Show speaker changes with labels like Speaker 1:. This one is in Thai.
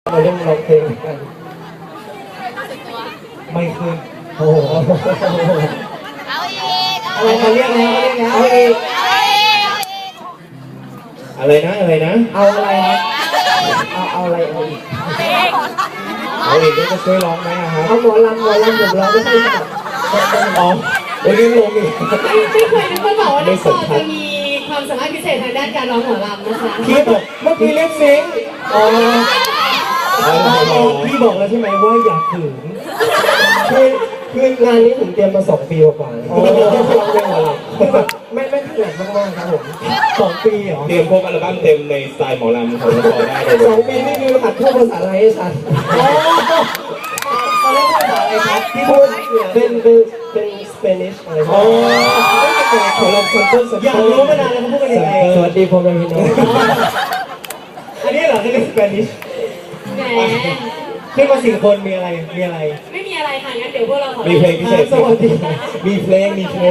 Speaker 1: มาเล่นร้องเพลงกันไม่ขึ้นโอ้โห
Speaker 2: เอาอีก
Speaker 1: อะไรเขาเรียกแล้วเอาอีกอะไรนะเอาอะไรครับเอาอะไรเอาอีกก็จะช่วยร้องไหมครับเอาหมอลำผมร้องไม่ได้ครับอ๋อวันนี้ลงอีก
Speaker 3: ไม่เคยนึกว่าบอกว่าน้องปอจะมีความสามารถพิเศษทางด้านการร้องหมอลำนะคะ
Speaker 1: พี่บอกเมื่อกี้เล่นซิงอ๋อพี่บอกแล้วใช่ไหมว่าอยากถึงคืองานนี้ผมเตรียมมา2 ปีกว่าๆร้องเพลงหมอลำคือแบบไม่ถนัดมากๆครับผม2 ปีเหรอ
Speaker 4: เตรียมพวกอัลบั้มเต็มในสไตล์หมอลำของเราได้เลย
Speaker 1: 2 ปีนี่คือหัดพูดภาษาอะไรให้ชัดเขาเรียกภาษาอะไรครับที่พูดเป็นสเปนิชอะไรอ๋อของเราคนต้นอยากรู้มานานแล้วเขาพูดกันยังไงสวัสดีผมเป็นพี่น้องอันนี้เหรอคือสเปนิช
Speaker 3: แหม
Speaker 1: ขึ้นมา4 คนมีอะไร
Speaker 3: ไม่มีอะไรค่ะงั้นเดี๋ยวพวกเราขอ
Speaker 4: มีเพลงพิเศษ
Speaker 1: สวัสดีมีเพลง